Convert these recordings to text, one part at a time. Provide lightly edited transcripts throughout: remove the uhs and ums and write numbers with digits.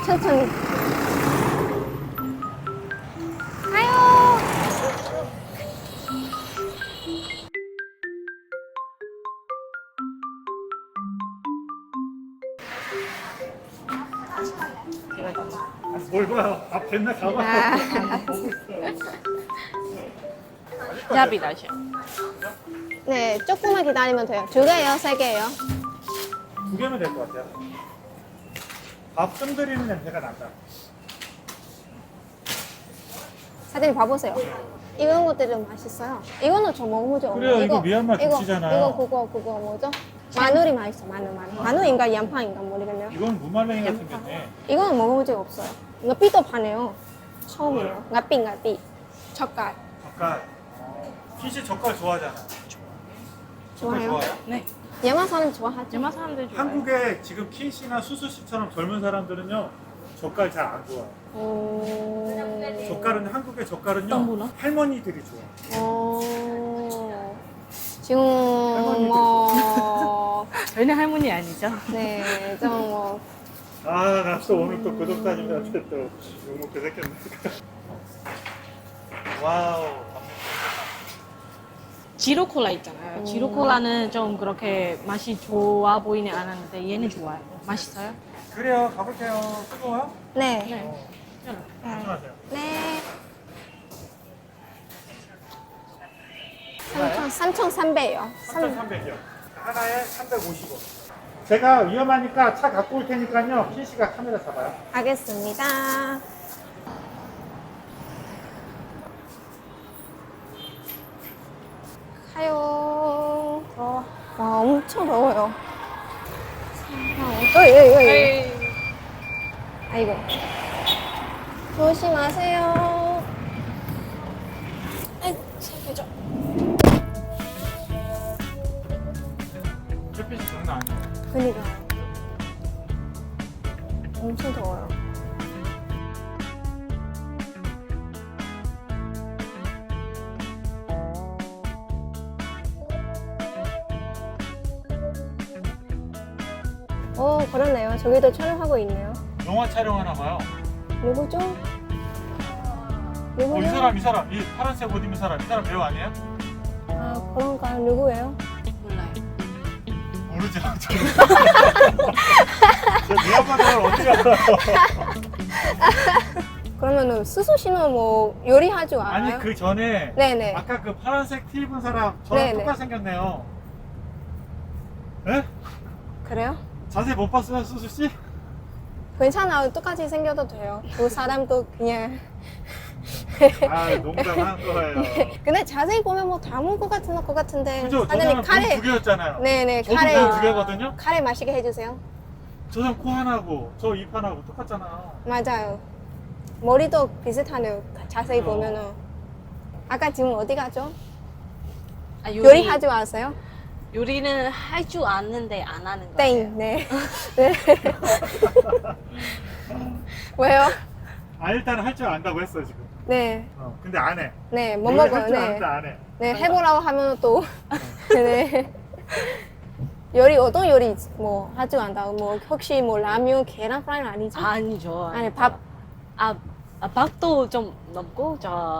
천천히. 가요. 뭘 봐요? 앞 됐나 가봐. 아, 야비 다시. 네, 조금만 기다리면 돼요. 2개예요, 3개예요? 2개면 될 것 같아요. 밥 뜸 들이는 냄새가 난다. 사장님 봐보세요. 이런 것들이 좀 맛있어요. 이거는 저 먹어보죠. 그래요, 이거 미얀마 김치잖아요. 이거 그거 뭐죠? 마늘이 맛있어, 마늘. 마늘인가 양파인가 모르겠네요. 이건 무말랭이 같은 게네. 이거는 먹어본 적 없어요. 이거 삐도 파네요. 처음이에요. 나삐. 젓갈. 젓갈. 핏이 젓갈 좋아하잖아. 젓갈 좋아요? 좋아해요? 네. 예만 사람 좋아하죠? 대만 사람들 좋아해. 한국에 지금 킨씨나 수수씨처럼 젊은 사람들은요 젓갈 잘 안 좋아해요. 젓갈은 한국의 젓갈은요 어떤 할머니들이 좋아해요. 지금 뭐 저희는 할머니 아니죠? 네, 좀 뭐 아, 나 또 오늘 또 구독자님들한테 또 욕먹게 생겼네. 와우. 지로 콜라 있잖아요. 지로 콜라는 좀 그렇게 맛이 좋아 보이는 않았는데 얘는 좋아요. 맛있어요? 그래요, 가볼게요. 뜨거워요? 네. 네. 조심하세요. 네. 3,300이요. 3,300이요. 하나에 350원. 제가 위험하니까 차 갖고 올 테니까요. 킨씨가 카메라 잡아요. 알겠습니다. 가요. 와, 엄청 더워요. 어이. 아이고. 조심하세요. 아이고, 살펴줘. 햇빛이 장난 아니에요. 그니까. 엄청 더워요. 그렇네요. 저기도 촬영하고 있네요. 영화 촬영하나 봐요. 누구죠? 이 누구죠? 사람. 이 파란색 옷 입은 사람. 이 사람 배우 아니에요? 아, 그런가요? 누구예요? 몰라요. 모르죠. 저 미얀마를 어떻게 알아요? 그러면은 스수 씨는 뭐 요리할 줄 알아요? 아니, 그 전에 네네. 아까 그 파란색 티 입은 사람 저랑 네네. 똑같이 생겼네요. 에? 그래요? 자세히 못 봤어요, 수수씨? 괜찮아요. 똑같이 생겨도 돼요. 그 사람도 그냥. 아, 농담한 거예요. 근데 자세히 보면 뭐 닮은 것 같은데. 그죠? 사장님 저는 카레 두 개였잖아요. 네네, 저도 카레. 두 개거든요? 카레 마시게 해주세요. 저 사람 코 하나고 저 입 하나고 똑같잖아요. 맞아요. 머리도 비슷하네요. 자세히 그죠. 보면은. 아까 지금 어디 가죠? 아, 요리할 줄 아세요? 요리는 할 줄 아는데 안 하는 거예요. 땡. 네. 네. 왜요? 아, 일단 할 줄 안다고 했어, 지금. 네. 근데 안 해. 네, 못 요리 먹어요. 할줄 네. 아는데 안 해. 네, 해보라고 하면 또. 네. 요리, 어떤 요리 뭐 할 줄 안다고? 뭐 혹시 뭐 라면, 계란 프라이는 아니죠? 아니죠. 아니, 밥. 밥도 좀 넘고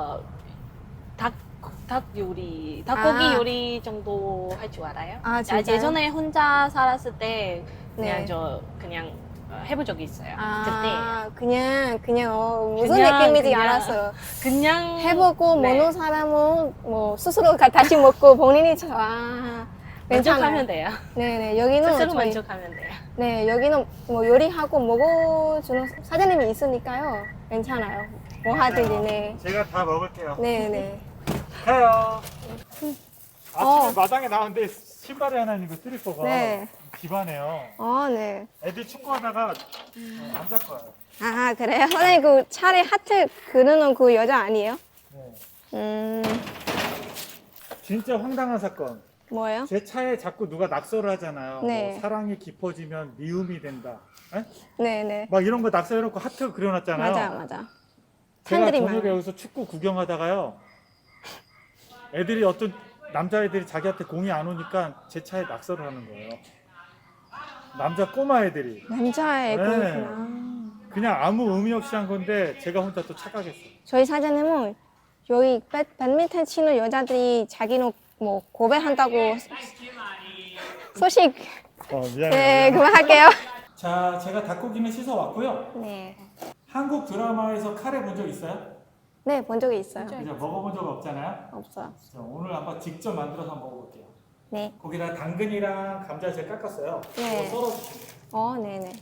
닭 요리, 닭고기 아. 요리 정도 할 줄 알아요? 아, 진짜요? 예전에 혼자 살았을 때 그냥 네. 그냥 해본 적이 있어요. 아, 그냥 무슨 그냥, 느낌인지 그냥. 알았어요. 그때 그냥 해보고 네. 모르는 사람은 뭐 스스로 다시 먹고 본인이 만족하면 돼요. 네네, 여기는 스스로 저희, 만족하면 돼요. 네, 여기는 뭐 요리하고 먹어주는 사장님이 있으니까요. 괜찮아요. 뭐 하든지, 네. 제가 다 먹을게요. 네네. 해요. 아침에 어. 마당에 나왔는데 신발이 하나 있는 거 슬리퍼가 네. 집안에요. 네. 애들 축구하다가 남자 거예요. 아, 그래요? 선생님 그 차례 하트 그리는 그 여자 아니에요? 네. 진짜 황당한 사건. 뭐예요? 제 차에 자꾸 누가 낙서를 하잖아요. 네. 뭐 사랑이 깊어지면 미움이 된다. 에? 네네. 막 이런 거 낙서해놓고 하트 그려놨잖아요. 맞아. 제가 팬들이 저녁에 많아요. 여기서 축구 구경하다가요. 애들이 어떤 남자애들이 자기한테 공이 안 오니까 제 차에 낙서를 하는 거예요. 남자 꼬마 애들이. 남자의 네. 그렇구나. 그냥 아무 의미 없이 한 건데 제가 혼자 또 착각했어요. 저희 사장님은 여기 배드민턴 치는 여자들이 자기는 뭐 고백한다고 소식. 미안해요. 네, 그만할게요. 자, 제가 닭고기는 씻어 왔고요. 네. 한국 드라마에서 카레 본 적 있어요? 네, 본 적이 있어요. 그죠? 먹어본 적 없잖아요. 없어요. 자, 오늘 한번 직접 만들어서 한번 먹어볼게요. 네. 거기다 당근이랑 감자 제가 깎았어요. 네. 이거 썰어주시면 돼요. 네네.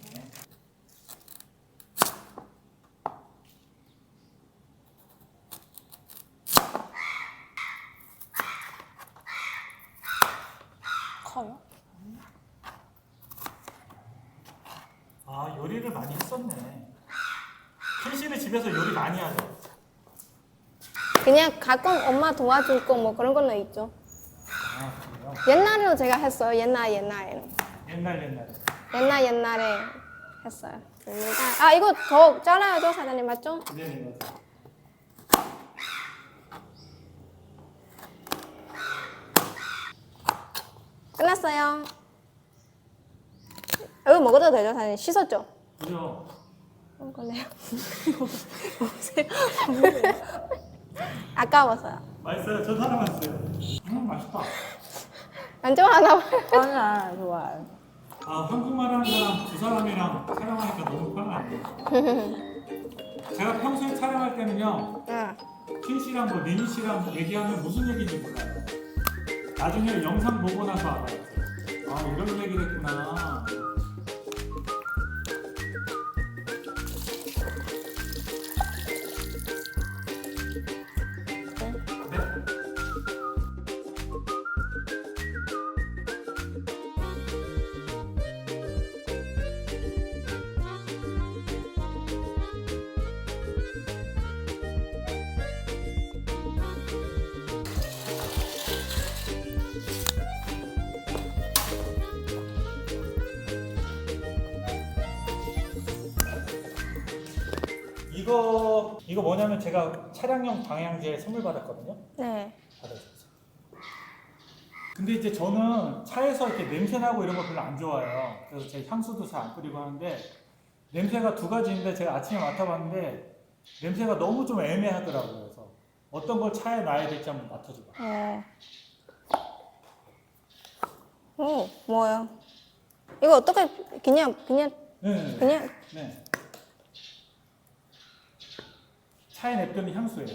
커요? 아, 요리를 많이 했었네. 현 씨는 집에서 요리 많이 하죠? 그냥 가끔 엄마 도와줄 거 뭐 그런 거는 있죠. 아, 그래요? 옛날에도 제가 했어요. 옛날에는. 옛날에. 옛날에 했어요. 아, 이거 더 잘라야죠, 사장님. 맞죠? 네네, 맞아요. 끝났어요. 이거 먹어도 되죠, 사장님? 씻었죠? 그죠? 먹을래요? 아까워서요. 맛있어요? 저도 하나 맛있어요. 맛있다. 안 좋아하나 봐요. 아니야, 좋아요. 아, 한국말 하는 사람 두 사람이랑 촬영하니까 너무 편하네요. 제가 평소에 촬영할 때는요, 응. 킨 씨랑 뭐 니니 씨랑 얘기하면 무슨 얘기인지 몰라요. 나중에 영상 보고 나서 알아요. 아, 이런 얘기를 했구나. 네? 이거 뭐냐면 제가 차량용 방향제 선물 받았거든요. 네. 받아주세요. 근데 이제 저는 차에서 이렇게 냄새 나고 이런 거 별로 안 좋아해요. 그래서 제 향수도 잘 안 뿌리고 하는데 냄새가 두 가지인데 제가 아침에 맡아봤는데 냄새가 너무 좀 애매하더라고요. 그래서 어떤 걸 차에 놔야 될지 한번 맡아줘봐. 오, 뭐예요? 이거 어떻게 그냥 네. 그냥 네. 차에 냅두는 향수예요.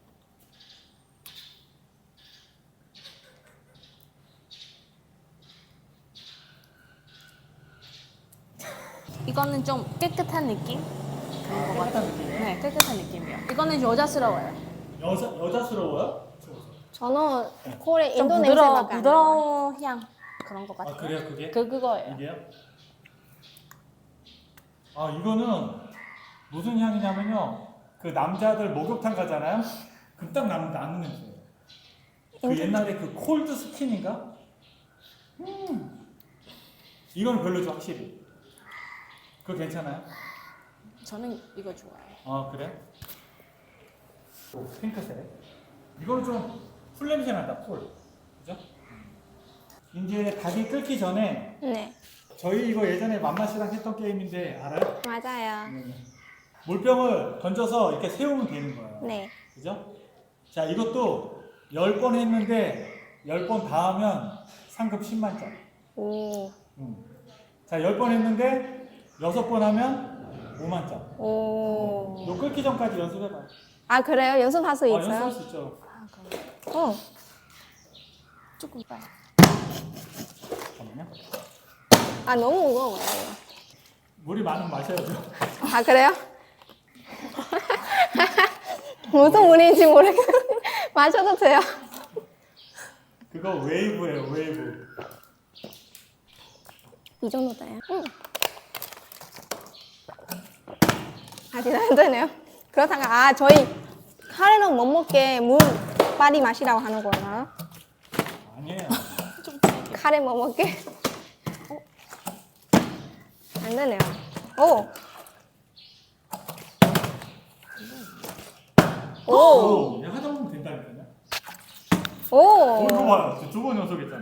이거는 좀 깨끗한 느낌? 깨끗한 느낌. 네, 깨끗한 느낌이요. 이거는 여자스러워요. 여자스러워요? 저는 코레 좀 인도 냄새밖에 안 나요. 부드러운 향 그런 것 같아요. 아, 그래요, 그게? 그거예요. 이게요? 아, 이거는 무슨 향이냐면요. 그 남자들 목욕탕 가잖아요. 그럼 딱 나는 냄새예요. 그 옛날에 그 콜드 스킨인가? 이건 별로죠, 확실히. 그거 괜찮아요? 저는 이거 좋아해요. 아, 그래? 오, 핑크색. 이거는 좀 풀 냄새 난다, 풀. 그죠? 이제 닭이 끓기 전에 네, 저희 이거 예전에 맘마씨랑 했던 게임인데 알아요? 맞아요. 물병을 던져서 이렇게 세우면 되는 거예요. 네. 그죠? 자, 이것도 10번 했는데 10번 다 하면 상금 10만짜리. 오, 자, 10번 했는데 6번 하면 5만짜리. 오. 요 끓기 전까지 연습해봐요. 아, 그래요? 연습할 수 있어요? 연습할 수 있죠. 아, 그럼 조금 빨리. 잠깐만요. 아, 너무 무거워요. 물이 많으면 마셔야죠. 아, 그래요? 무슨 물인지 모르겠는데 마셔도 돼요. 그거 웨이브예요, 웨이브. 이 정도 돼요? 아직 안 되네요. 그렇다가 저희 카레는 못 먹게 물 빨리 마시라고 하는 거잖아요. 아니에요. 카레 못 먹게. 안 되네요. 오. 오. 그냥 하다 보면 된다니까요. 오. 이거 봐요. 2번 연속했잖아요.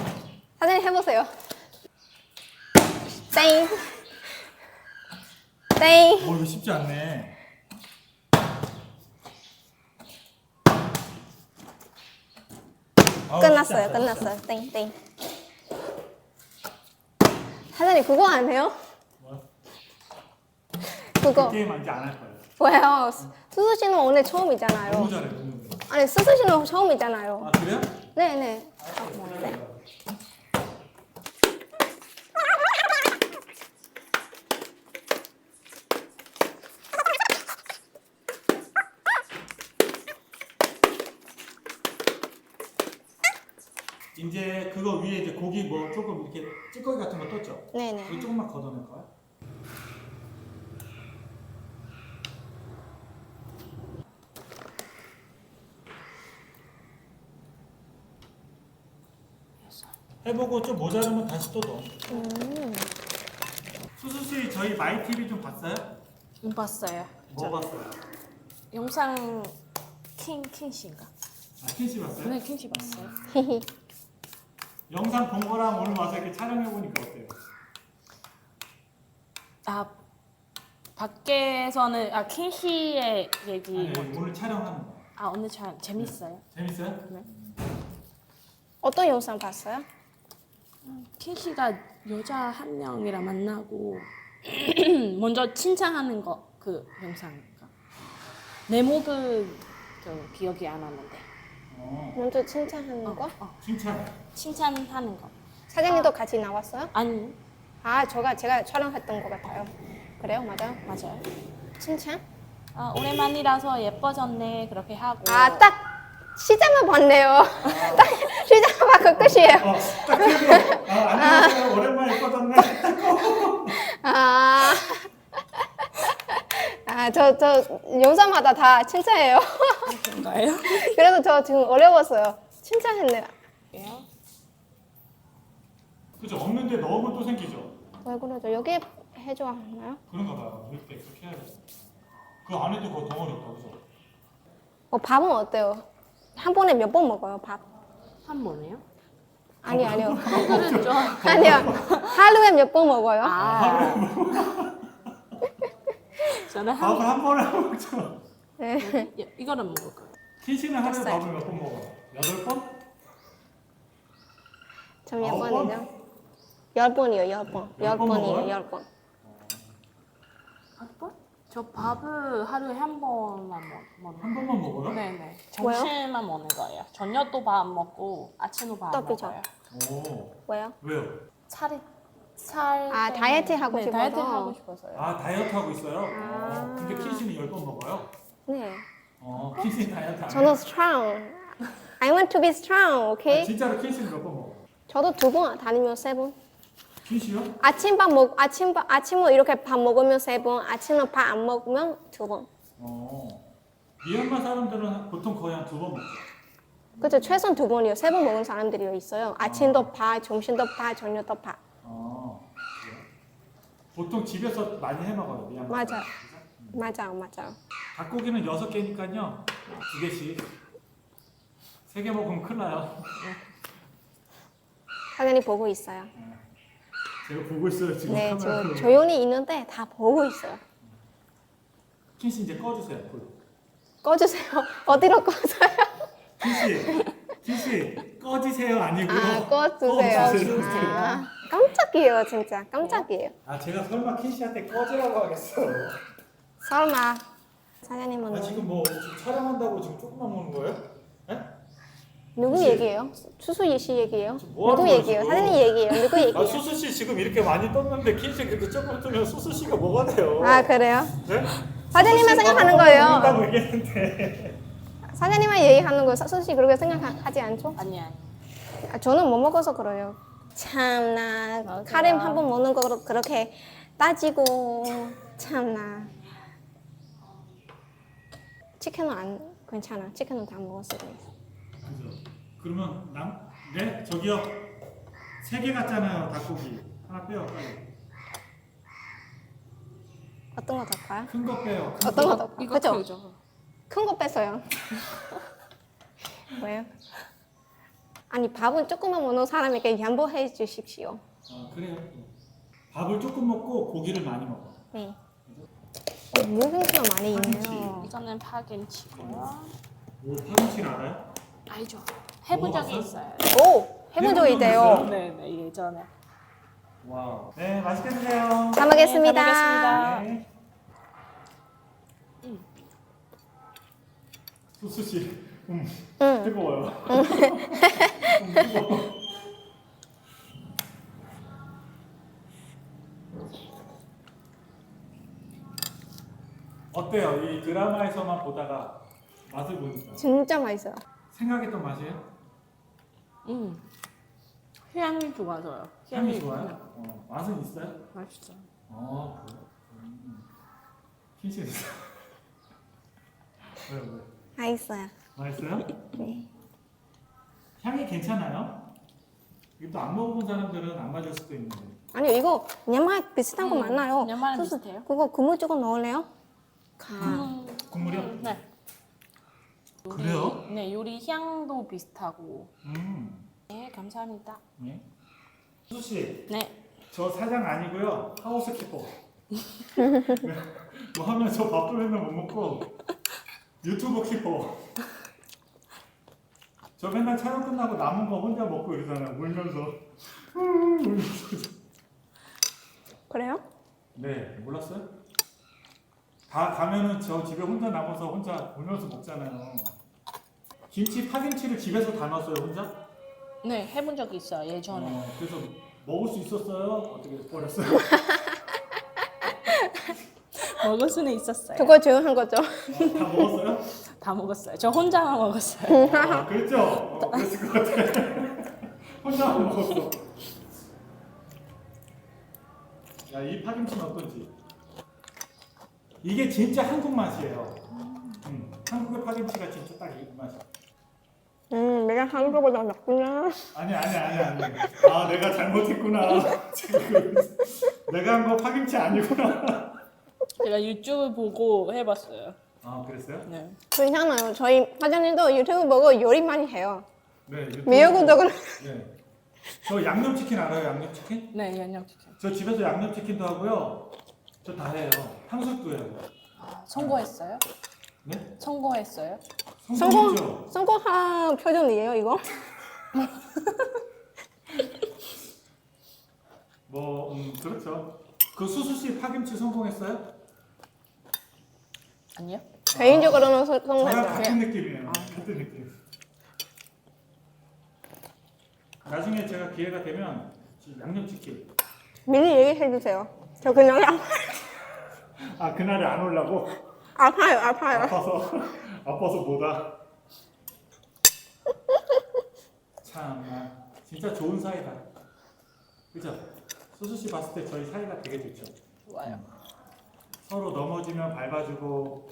사장님 해보세요. 땡. 땡. 이거 쉽지 않네. 아우, 끝났어요. 쉽지 않다. 끝났어요. 땡, 땡. 사장님 그거 안 해요? 뭐? 그거 그 게임 이제 안 할 거예요. 왜요? 수수 씨는 오늘 처음이잖아요. 너무 잘해, 너무 잘해. 아니 수수 씨는 처음이잖아요. 아 그래요? 네네. 이제 그거 위에 이제 고기 뭐 조금 이렇게 찌꺼기 같은 거 떴죠? 네네. 이거 조금만 걷어낼 거야. 해보고 좀 모자르면 다시 또 넣어. 수수 씨 저희 마이 TV 좀 봤어요? 봤어요. 뭐 봤어요? 영상 킹씨인가? 아 킨씨 봤어요? 네, 킹씨 봤어요. 영상 본 거랑 오늘 와서 이렇게 촬영해 보니까 어때요? 아 밖에서는 킹씨의 얘기. 아니, 오늘 촬영하는 거. 오늘 참 재밌어요. 재밌어요? 네. 어떤 영상 봤어요? 킹씨가 여자 한 명이랑 만나고 먼저 칭찬하는 거 그 영상인가? 제목은 좀 기억이 안 나는데. 먼저 칭찬하는 거? 칭찬. 칭찬하는 거. 사장님도 같이 나왔어요? 아니 아, 제가 촬영했던 것 같아요. 그래요? 맞아요? 맞아요. 칭찬? 오랜만이라서 예뻐졌네 그렇게 하고. 아, 딱 시작만 봤네요. 딱 시작만 봤고 끝이에요. 딱 들고. 안녕하세요. 오랜만에 예뻐졌네. 아, 저 영상마다 다 칭찬해요. 그런가요? 그래서 저 지금 어려웠어요. 칭찬했네요. 그죠? 없는데 넣으면 또 생기죠? 왜 그러죠? 여기에 해줘야 하나요? 그런가 봐요. 이렇게 그렇게 해야 돼. 그 안에도 그 덩어리 있다, 그죠? 밥은 어때요? 한 번에 몇 번 먹어요, 밥? 한 번에요? 아니요. 그거는 좀. 아니요. 하루에 몇 번 먹어요? 저는 밥을 한 번에 안 먹죠. 네. 이거는 먹을 거예요. 킨씨는 하루에 밥을 몇 번 먹어? 8번? 저 몇 9번? 번이죠? 10번이요, 10번. 열 번 10번이에요, 먹어요? 10번. 한 번? 저 밥을 하루에 한 번만 먹는. 한 번만 먹어요? 네네. 왜요? 점심만 먹는 거예요. 저녁도 밥 안 먹고 아침도 밥 안 떡이죠. 먹어요. 오. 왜요? 왜요? 살. 아, 다이어트 하고 네, 싶어서? 다이어트 하고 싶어서요. 아, 다이어트 하고 있어요? 아. 근데 킨씨는 10번 먹어요? 네. 킨씨는 다이어트 안 저는 해요? strong. I want to be strong, okay? 진짜로 킨씨는 몇 번 먹어? 저도 2번, 다니면 3번. 킨씨요? 아침을 이렇게 밥 먹으면 3번, 아침은 밥 안 먹으면 2번. 미얀마 사람들은 보통 거의 한 2번 먹죠. 그죠? 최소한 2번이요. 3번 먹는 사람들이 있어요. 아침도 밥, 점심도 밥, 저녁도 밥. 그래요? 보통 집에서 많이 해 먹어요, 미얀마. 맞아요. 사람들. 맞아요. 닭고기는 6개니까요. 2개씩. 3개 먹으면 큰일 나요. 사장님 보고 있어요. 제가 보고 있어요, 지금. 네, 카메라로. 저 조용히 있는데 다 보고 있어요. 킨씨 이제 꺼주세요, 불. 꺼주세요. 어디로 꺼져요? 킨씨, 꺼지세요 아니고요. 꺼주세요. 꺼주세요. 깜짝이에요, 진짜. 깜짝이에요. 제가 설마 킨씨한테 꺼지라고 하겠어요? 설마. 사장님은 지금 뭐 지금 촬영한다고 지금 조금만 먹는 거예요? 네? 누구 혹시- 얘기예요? 수수 씨 얘기예요? 지금 뭐 누구 하는 거예요, 얘기예요? 지금? 사장님 얘기예요? 누구 얘기예요? 수수 씨 지금 이렇게 많이 떴는데 킨씨 그렇게 조금 뜨면 수수 씨가 뭐가 돼요? 그래요? 네? 사장님만 수수 씨가 생각하는 먹는다고 거예요. 얘기했는데. 사장님만 얘기하는 거 수수 씨 그렇게 생각하지 않죠? 아니. 저는 못 먹어서 그래요. 참나 맞아요. 카레 한 번 먹는 거 그렇게 따지고 참나. 치킨은 안 괜찮아. 치킨은 다 먹었어요. 그죠? 그러면 네? 저기요. 3개 같잖아요, 닭고기. 하나 빼요, 빨리. 어떤 거 더 봐요? 큰 거 빼요. 어떤 거 더 봐요? 이거 그죠? 크죠? 큰 거 뺐어요. 왜요? 아니 밥은 조금만 먹는 사람에게 양보해 주십시오. 그래요. 밥을 조금 먹고 고기를 많이 먹어. 네. 그죠? 무김치가 많이 있네요. 이거는 파김치고요. 오, 파김치를 알아요? 알죠? 해본 적이 먹어봤어요? 있어요. 오! 해본 적이 있대요. 네네, 예전에. 와. 네, 맛있게 드세요. 잘 먹겠습니다. 잘 먹겠습니다. 네. 수수 씨, 뜨거워요. 뜨거워. 어때요? 이 드라마에서만 보다가 맛을 보니까 진짜 맛있어요. 생각했던 맛이에요? 향이 좋아서요. 향이 좋아요? 맛은 있어요? 맛있어요. 그래요? 킨씨 있어요? 왜요? 맛있어요. 맛있어요? 네. 향이 괜찮아요? 이거 또 안 먹어본 사람들은 안 맞을 수도 있는데. 아니 이거 냠맛 비슷한 거 많아요. 냠맛은 소스 비슷해요? 그거 국물 조금 넣을래요? 국물이요? 네. 그래요? 네, 요리 향도 비슷하고. 음. 네, 감사합니다. 네. 수수 씨, 네. 저 사장 아니고요. 하우스키퍼. 뭐 하면 저 밥도 맨날 못 먹고 유튜브 키퍼. 저 맨날 촬영 끝나고 남은 거 혼자 먹고 이러잖아요. 울면서. 울면서. 그래요? 네, 몰랐어요? 다 가면은 저 집에 혼자 남아서 혼자 울면서 먹잖아요. 김치, 파김치를 집에서 다 넣었어요, 혼자? 네, 해본 적이 있어요, 예전에. 그래서 먹을 수 있었어요? 어떻게 버렸어요? 먹을 수는 있었어요. 그거 조용한 거죠? 다 먹었어요? 다 먹었어요. 저 혼자만 먹었어요. 그랬죠? 그랬을 것 같아. 혼자 안 먹었어. 야, 이 파김치는 어떤지. 이게 진짜 한국 맛이에요. 한국의 파김치가 진짜 딱 이 맛이야. 내가 한국보다 낫구나. 아니. 아, 내가 잘못했구나. 지금 내가 한 거 파김치 아니구나. 제가 유튜브 보고 해봤어요. 아, 그랬어요? 네. 괜찮아요. 저희 사장님도 유튜브 보고 요리 많이 해요. 네. 미역국도 네. 저 양념치킨 알아요? 양념치킨? 네, 양념치킨. 저 집에서 양념치킨도 하고요. 저 다 해요. 탕수육도 해요. 아, 성공했어요? 네? 성공했어요? 성공했죠? 성공한 표정이에요 이거? 그렇죠. 그 수수 씨 파김치 성공했어요? 아니요. 개인적으로는 저랑 성공했어요. 같은 느낌이에요. 같은 느낌. 나중에 제가 기회가 되면 양념치킨. 미리 얘기해 주세요. 저 그냥 그날에 안 오려고? 아파요. 아파서 뭐다. 참, 진짜 좋은 사이다. 그죠? 수수 씨 봤을 때 저희 사이가 되게 좋죠. 좋아요. 서로 넘어지면 밟아주고,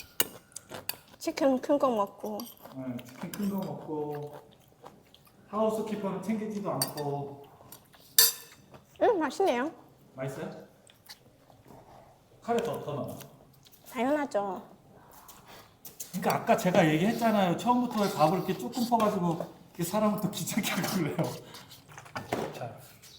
치킨 큰 거 먹고. 치킨 큰 거 먹고, 하우스키퍼는 챙기지도 않고. 맛있네요. 맛있어요? 카레 더 넣어. 당연하죠. 그러니까 아까 제가 얘기했잖아요. 처음부터 밥을 이렇게 조금 퍼가지고 이렇게 사람을 또 귀찮게 하고 그래요. 자,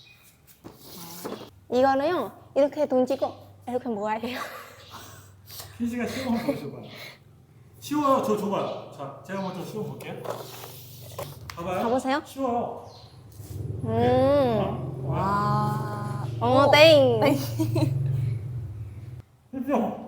이거는요 이렇게 던지고 이렇게 모아야 해요. 흰씨가 시험 한번 보여줘봐요. 쉬워요. 저 줘봐요. 자, 제가 먼저 시험 볼게요. 봐봐요. 가보세요. 쉬워요. 와. 땡. 그죠?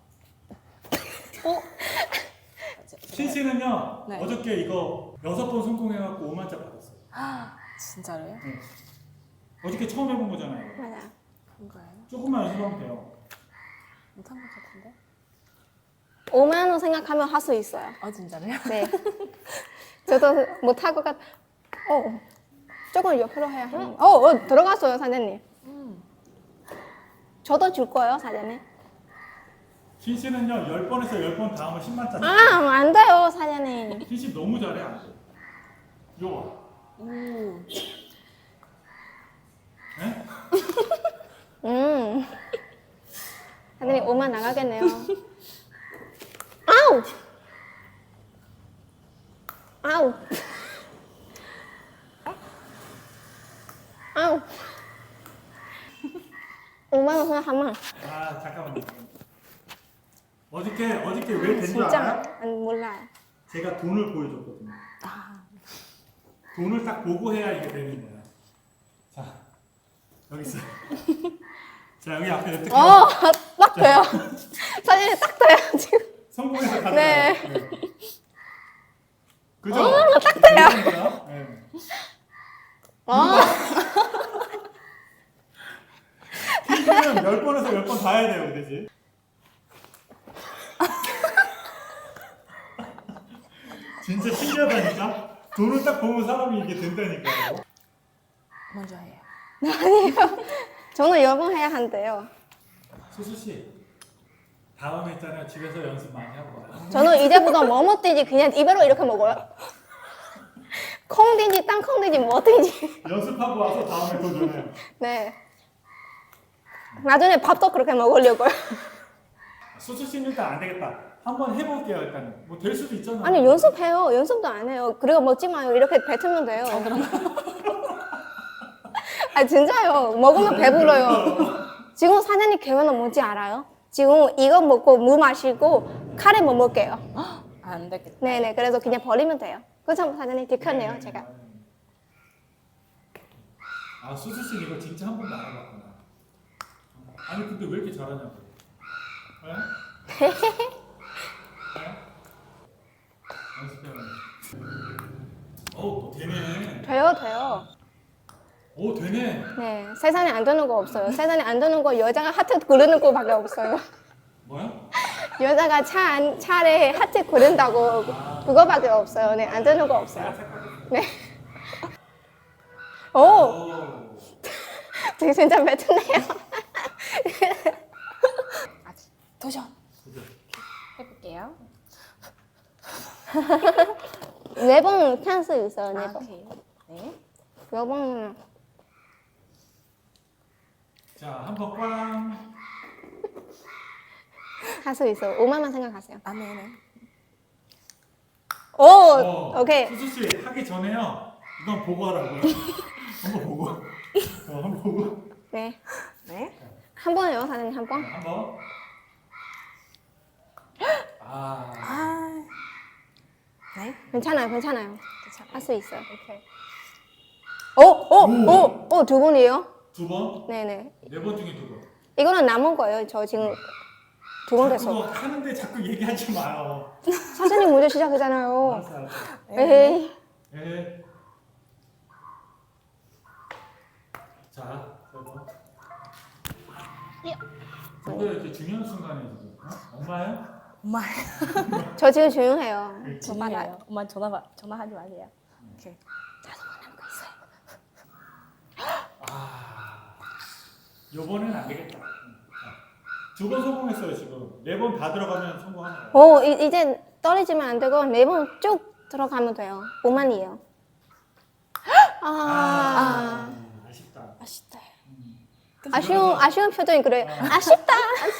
흰씨는요 네. 어저께 이거 6번 성공해갖고 5만짜 받았어요. 진짜로요? 어저께 처음 해본 거잖아요. 맞아. 그런가요? 조금만 연습하면 돼요. 못한 것 같은데? 5만 원 생각하면 할 수 있어요. 진짜로요? 네. 저도 못할 것 같. 조금 옆으로 해야 해요. 들어갔어요 사장님. 저도 줄 거예요 사장님. 흰씨는요 10번에서 10번 다음은 10만짜리. 안 돼요 사장님. 흰씨 너무 잘해 안 돼. 이거 봐. 오. 네? 사장님 5만 나가겠네요. 아우! 아우! 아우! 5만 원 생각하면 잠깐만요. 어저께 왜 된 줄 진짜 알아요? 몰라요. 제가 돈을 보여줬거든요. 돈을 딱 보고 해야 이게 되는 거야. 자, 여기 있어요. 자, 여기 앞에 냅두고 딱 돼요. 사진이 딱 돼요 지금. 성공해서 가져가요. 네. 그죠? 딱 돼요. 네. 퀴즈는 10번에서 10번 다 해야 돼요, 그지? 진짜 신기하다니까? 돈을 딱 보면 사람이 이게 된다니까요. 먼저 해요. 저는 여번 해야 한대요. 수수 씨, 다음에 있잖아요. 집에서 연습 많이 하고 와요. 저는 이제부터 뭐 먹든지 그냥 입으로 이렇게 먹어요. 콩든지 땅콩든지 뭐든지. 연습하고 와서 다음에 도전해요. 네. 나중에 밥도 그렇게 먹으려고요. 수수 씨는 일단 안 되겠다. 한번 해볼게요, 일단. 뭐 될 수도 있잖아요. 아니 연습해요. 연습도 안 해요. 그리고 먹지 마요. 이렇게 뱉으면 돼요. 아 진짜요. 먹으면 배불러요. 지금 사장님 계획은 뭔지 알아요? 지금 이거 먹고 무 마시고 카레 못 먹게요. 안 되겠다. 네네. 그래서 그냥 버리면 돼요. 그래서 사장님 들켰네요, 제가. 아, 수수 씨 이거 진짜 한 번도 안 해봤구나. 아니 근데 왜 이렇게 잘하냐고. 네? 연습해요. 오, 되네. 돼요. 오, 되네. 네. 세상에 안 되는 거 없어요. 세상에 안 되는 거 여자가 하트 그리는 거밖에 없어요. 뭐야? 여자가 차에 하트 그린다고 그거밖에 없어요. 네, 안 되는 거 없어요. 네. 오, 오. 되게 진짜 뱉으네요. 도전. 그죠? 해볼게요. 4번 찬스 있어요. 4번. 오케이. 네. 여번 자, 한 번 꽝. 할 수 있어요. 5만만 생각하세요. 아, 네네. 오, 오케이. 수수 씨 하기 전에요. 이건 보고 하라고요. 한번 보고. 한번 보고. 네. 네. 한 번요, 사장님 한 번. 한 번. 아. 아. 네. 괜찮아요. 괜찮아요. 할 수 있어요. 오케이. 오, 2번이에요? 두 번? 네네. 4번 중에 2번. 이거는 남은 거예요. 저 지금 2번 됐어. 그거 하는데 자꾸 얘기하지 마요. 사장님 먼저 시작이잖아요. 알았어, 알았어. 에이. 네. 자, 3번. 저거 이렇게 중요한 순간에 지금. 엄마요? 엄마. 저 지금 조용해요. 저 전화요. 받아요. 엄마 전화하지 마세요. 오케이. 아, 요번엔 안 되겠다. 2번 성공했어요, 지금. 4번 다 들어가면 성공하는 거예요. 오, 이제 떨어지면 안 되고 4번 쭉 들어가면 돼요. 5만이에요. 아쉽다. 맛있다. 아쉬운 표정이 그래요. 아쉽다.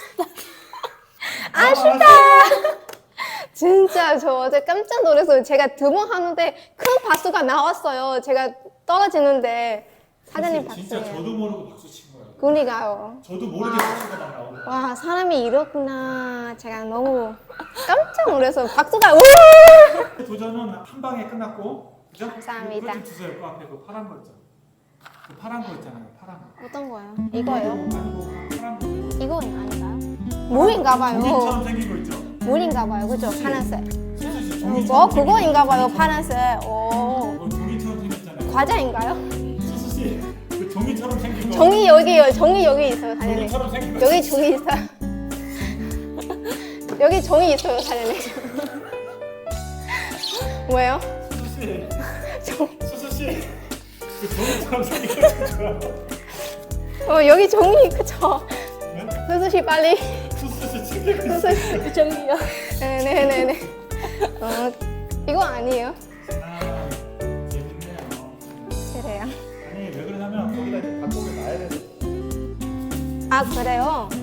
아쉽다. 진짜 저 어제 깜짝 놀랐어요. 제가 2번 하는데 큰 박수가 나왔어요. 제가 떨어지는데 사장님 진짜 박수예요. 저도 모르고 박수 친 거예요. 그러니까요. 저도 모르게 박수가 막 나오더라고요. 와, 사람이 이렇구나. 제가 너무 깜짝 놀라서 박수가 우! 도전은 한 방에 끝났고, 그죠? 감사합니다. 그거 좀 주세요. 그 앞에 그 파란 거 있죠. 그 파란 거 있잖아요. 파란 거. 어떤 거요? 이거요? 아니고 파란 거. 이거 아닌가요? 물인가 봐요. 종이처럼 생긴 거 있죠. 물인가 봐요. 그죠? 파란색. 수수 씨 종이처럼 생긴 그거인가 봐요. 거. 파란색. 오. 그거 종이처럼 생겼잖아요. 과자인가요? 수수 씨, 그 종이처럼 생긴 거. 종이 여기요. 종이 여기 있어요, 사장님. 종이처럼 생긴 거. 여기 종이 있어요. 여기 종이 있어요, 사장님. 뭐예요? 수수 씨, 종. 수수 씨, 그 종이처럼 생긴 거 좋아요. 여기 종이 그쵸? 네? 수수 씨 빨리. 수수 씨 챙기고 수수 씨. 그 정이요. 네네네네. 이거 아니에요? 아, 재밌네요. 그래요. 아니 왜 그러냐면 거기다 이제 닭고기 놔야 돼서. 아 그래요?